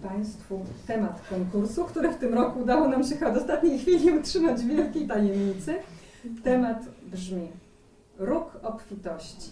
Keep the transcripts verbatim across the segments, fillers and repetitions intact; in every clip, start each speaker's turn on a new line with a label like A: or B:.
A: Państwu temat konkursu, który w tym roku udało nam się chyba do ostatniej chwili utrzymać w wielkiej tajemnicy. Temat brzmi: róg obfitości.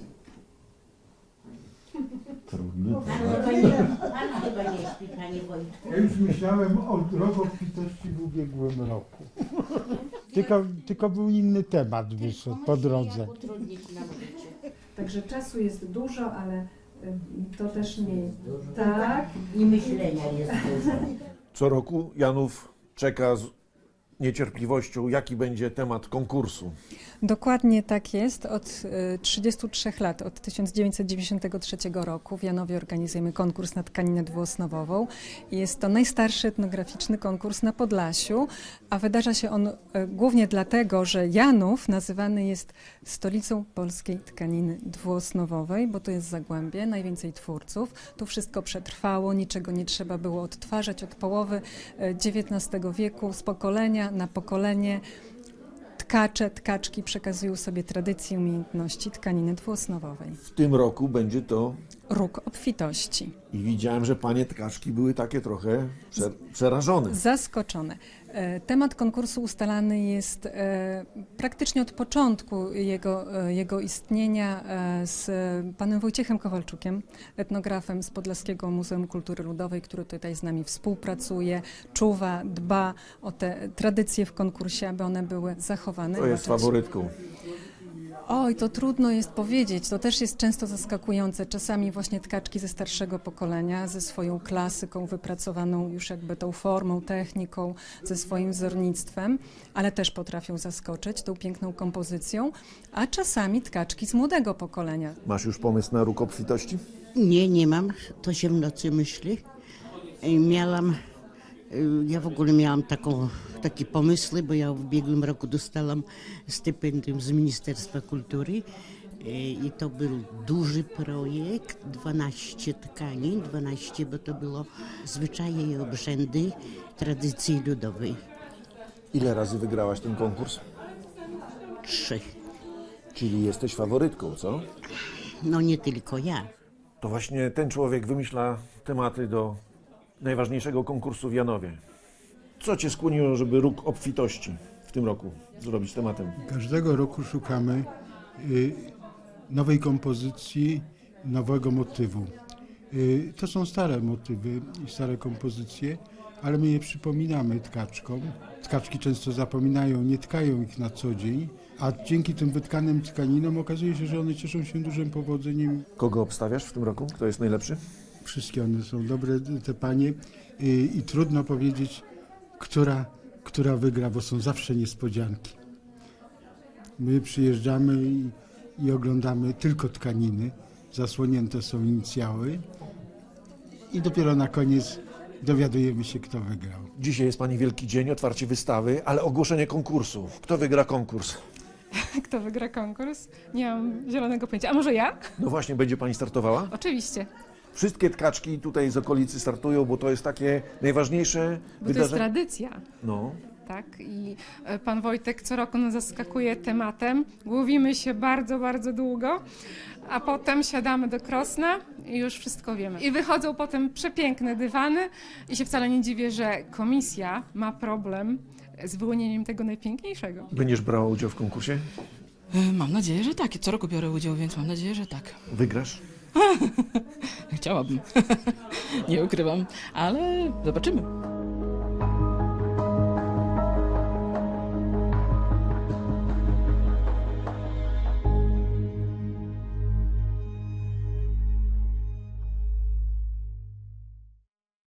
B: Trudny.
C: Pan chyba nie, pan chyba nie śpi, panie Wojtku.
D: Ja już myślałem o roku obfitości w ubiegłym roku. Tylko, tylko był inny temat wyszedł po drodze.
C: Jak utrudnić nam życie.
A: Także czasu jest dużo, ale y, to też nie...
C: Dużo.
A: Tak.
C: I myślenia jest dużo.
B: Co roku Janów czeka z niecierpliwością, jaki będzie temat konkursu.
E: Dokładnie tak jest. Od y, trzydziestu trzech lat, od tysiąc dziewięćset dziewięćdziesiątego trzeciego roku w Janowie organizujemy konkurs na tkaninę dwuosnowową. Jest to najstarszy etnograficzny konkurs na Podlasiu, a wydarza się on y, głównie dlatego, że Janów nazywany jest stolicą polskiej tkaniny dwuosnowowej, bo to jest Zagłębie, najwięcej twórców. Tu wszystko przetrwało, niczego nie trzeba było odtwarzać od połowy y, dziewiętnastego wieku, z pokolenia na pokolenie. Tkacze, tkaczki przekazują sobie tradycje, umiejętności tkaniny dwuosnowowej.
B: W tym roku będzie to
E: Róg obfitości.
B: i widziałem, że panie tkaczki były takie trochę prze, przerażone.
E: Zaskoczone. E, Temat konkursu ustalany jest e, praktycznie od początku jego, e, jego istnienia e, z panem Wojciechem Kowalczukiem, etnografem z Podlaskiego Muzeum Kultury Ludowej, który tutaj z nami współpracuje, czuwa, dba o te tradycje w konkursie, aby one były zachowane.
B: To jest faworytką.
E: Oj, to trudno jest powiedzieć. To też jest często zaskakujące. Czasami właśnie tkaczki ze starszego pokolenia, ze swoją klasyką wypracowaną już jakby tą formą, techniką, ze swoim wzornictwem, ale też potrafią zaskoczyć tą piękną kompozycją, a czasami tkaczki z młodego pokolenia.
B: Masz już pomysł na róg obfitości?
C: Nie, nie mam. To się w nocy myśli. I Miałam, y, ja w ogóle miałam taką, takie pomysły, bo ja w ubiegłym roku dostałam stypendium z Ministerstwa Kultury y, i to był duży projekt, dwanaście tkanin, dwanaście, bo to było zwyczaje i obrzędy tradycji ludowej.
B: Ile razy wygrałaś ten konkurs?
C: Trzy.
B: Czyli jesteś faworytką, co?
C: No nie tylko ja.
B: To właśnie ten człowiek wymyśla tematy do najważniejszego konkursu w Janowie. Co cię skłoniło, żeby róg obfitości w tym roku zrobić tematem?
D: Każdego roku szukamy y, nowej kompozycji, nowego motywu. Y, to są stare motywy i stare kompozycje, ale my je przypominamy tkaczkom. Tkaczki często zapominają, nie tkają ich na co dzień, a dzięki tym wytkanym tkaninom okazuje się, że one cieszą się dużym powodzeniem.
B: Kogo obstawiasz w tym roku? Kto jest najlepszy?
D: Wszystkie one są dobre, te panie, y, i trudno powiedzieć, która, która wygra, bo są zawsze niespodzianki. My przyjeżdżamy i, i oglądamy tylko tkaniny, zasłonięte są inicjały i dopiero na koniec dowiadujemy się, kto wygrał.
B: Dzisiaj jest pani wielki dzień, otwarcie wystawy, ale ogłoszenie konkursu. Kto wygra konkurs?
F: Kto wygra konkurs? Nie mam zielonego pojęcia. A może ja?
B: No właśnie, będzie pani startowała?
F: Oczywiście,
B: Wszystkie tkaczki tutaj z okolicy startują, bo to jest takie najważniejsze
F: bo to jest
B: wydarzenie.
F: tradycja.
B: No.
F: Tak, i e, pan Wojtek co roku nas zaskakuje tematem. Głowimy się bardzo, bardzo długo, a potem siadamy do Krosna i już wszystko wiemy. I wychodzą potem przepiękne dywany i się wcale nie dziwię, że komisja ma problem z wyłonieniem tego najpiękniejszego.
B: Będziesz brała udział w konkursie?
G: E, Mam nadzieję, że tak. Co roku biorę udział, więc mam nadzieję, że tak.
B: Wygrasz?
G: Chciałabym. Nie ukrywam, ale zobaczymy.